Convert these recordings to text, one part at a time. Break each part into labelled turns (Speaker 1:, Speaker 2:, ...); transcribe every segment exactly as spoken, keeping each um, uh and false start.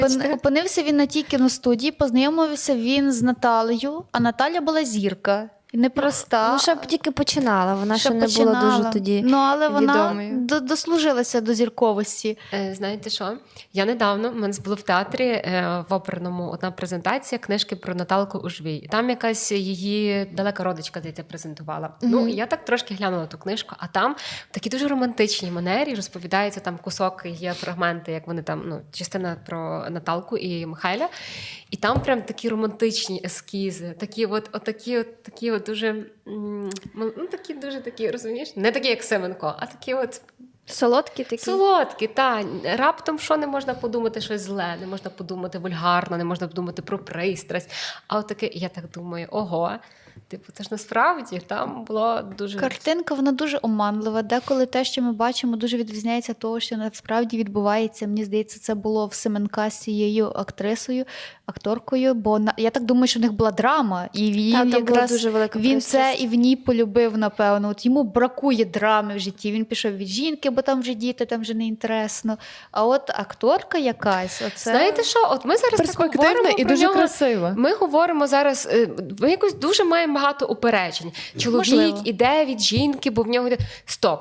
Speaker 1: Опини- Опинився він на тій кіностудії, познайомився він з Наталею, а Наталя була зірка. І непроста.
Speaker 2: Ну, ще б тільки починала, вона ще,
Speaker 1: Ще
Speaker 2: не
Speaker 1: починала.
Speaker 2: була дуже тоді
Speaker 1: Ну, але вона
Speaker 2: відомою.
Speaker 1: до- дослужилася до зірковості.
Speaker 3: Е, Знаєте що? Я недавно, в мене було в театрі е, в оперному одна презентація книжки про Наталку Ужвій. І там якась її далека родичка, здається, презентувала. Mm-hmm. Ну, і я так трошки глянула ту книжку, а там в такій дуже романтичній манері розповідається там кусок, є фрагменти, як вони там, ну, частина про Наталку і Михайля. І там прям такі романтичні ескізи, такі от, от такі от, такі от дуже, м, ну, такі дуже такі, розумієш? Не такі, як Семенко, а такі от
Speaker 2: Солодкі такі.
Speaker 3: солодкі, та раптом що не можна подумати щось зле, не можна подумати вульгарно, не можна подумати про пристрасть. А от таке, я так думаю, ого, типу, це ж насправді там було дуже
Speaker 1: Картинка, вона дуже оманлива. Деколи те, що ми бачимо, дуже відрізняється від того, що насправді відбувається. Мені здається, це було в Семенка з цією актрисою, акторкою, бо на- я так думаю, що в них була драма, і він
Speaker 2: Та, там була
Speaker 1: якраз
Speaker 2: дуже велика
Speaker 1: він це
Speaker 2: пристрасть.
Speaker 1: і в ній полюбив, напевно. От йому бракує драми в житті. Він пішов від жінки, бо там вже діти, там вже не інтересно. А от акторка якась, оце
Speaker 3: Знаєте що? От ми зараз так
Speaker 4: Перспективна
Speaker 3: говоримо
Speaker 4: і
Speaker 3: про
Speaker 4: дуже
Speaker 3: нього.
Speaker 4: красива.
Speaker 3: Ми говоримо зараз, е, ми якось дуже маємо багато упереджень. Чоловік
Speaker 1: Можливо.
Speaker 3: іде від жінки, бо в нього йде. Стоп!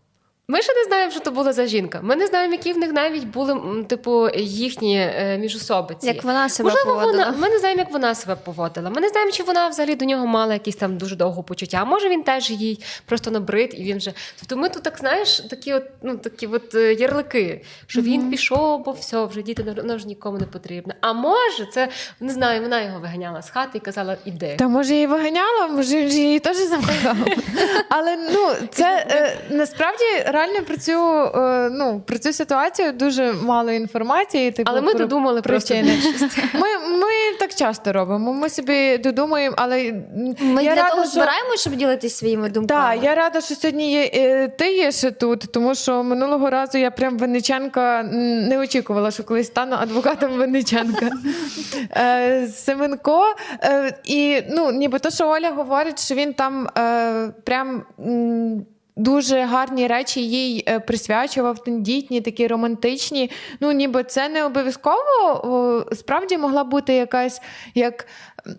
Speaker 3: Ми ще не знаємо, що то була за жінка. Ми не знаємо, які в них навіть були, м, типу, їхні е, міжособиці.
Speaker 2: Як вона себе
Speaker 3: Можливо,
Speaker 2: поводила.
Speaker 3: вона, ми не знаємо, як вона себе поводила. Ми не знаємо, чи вона взагалі до нього мала якісь там дуже довго почуття. А може він теж їй просто набрид, і він вже. Тобто ми тут, так знаєш, такі от, ну, такі от е, ярлики, що він пішов, бо все, вже діти ну, воно ж нікому не потрібно. А може, це не знаю, вона його виганяла з хати і казала, іди.
Speaker 4: Та може її виганяла, може він же її теж замахав. Але ну це е, насправді реально про цю, е, ну, про цю ситуацію дуже мало інформації. Типу,
Speaker 3: Але ми
Speaker 4: про
Speaker 3: додумали просто
Speaker 4: причини.
Speaker 3: більшість.
Speaker 4: Ми, ми так часто робимо. Ми собі додумуємо, але
Speaker 2: Ми
Speaker 4: я
Speaker 2: для
Speaker 4: рада,
Speaker 2: того
Speaker 4: що...
Speaker 2: збираємо, щоб ділитися своїми думками.
Speaker 4: Так, я рада, що сьогодні є, е, ти є ще тут, тому що минулого разу я прям Винниченка м, не очікувала, що колись стану адвокатом Винниченка. Е, Семенко, е, і ну, ніби то, що Оля говорить, що він там е, прям м, дуже гарні речі їй е, присвячував, тендітні, такі романтичні. Ну, ніби це не обов'язково, о, справді могла бути якась як.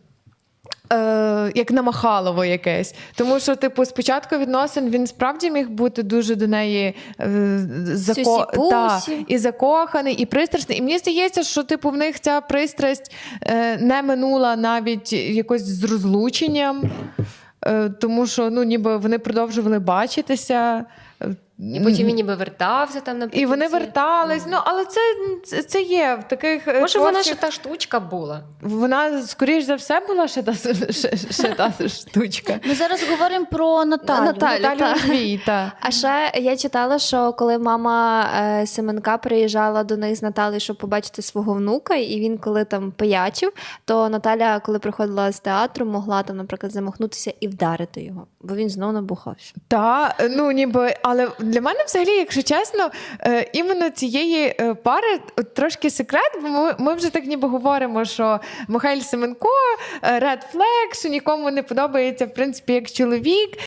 Speaker 4: Е, як намахалово якесь. Тому що, типу, спочатку відносин він справді міг бути дуже до неї е, зако... та,
Speaker 2: Сюсі-пусі.
Speaker 4: і закоханий, і пристрасний. І мені здається, що типу, в них ця пристрасть е, не минула навіть якось з розлученням, е, тому що ну, ніби вони продовжували бачитися. е,
Speaker 3: І потім він ніби вертався там наприкінці.
Speaker 4: І вони вертались. Ну, але це, це, це є в таких. е,
Speaker 3: Може, вона
Speaker 4: творчих-
Speaker 3: ще та штучка була.
Speaker 4: Вона, скоріш за все, була ще та, ще, ще та штучка.
Speaker 1: Ми зараз говоримо про Наталю.
Speaker 2: Наталю.
Speaker 4: Наталю
Speaker 2: та.
Speaker 4: Ужвій, та.
Speaker 2: А ще я читала, що коли мама е, Семенка приїжджала до них з Наталею, щоб побачити свого внука, і він коли там пиячив, то Наталя, коли приходила з театру, могла там, наприклад, замахнутися і вдарити його, бо він знову набухався.
Speaker 4: Та, ну ніби, але для мене взагалі, якщо чесно, е, іменно цієї е, пари от, трошки секрет, бо ми, ми вже так ніби говоримо, що Михайло Семенко, е, Red Flag, що нікому не подобається, в принципі, як чоловік.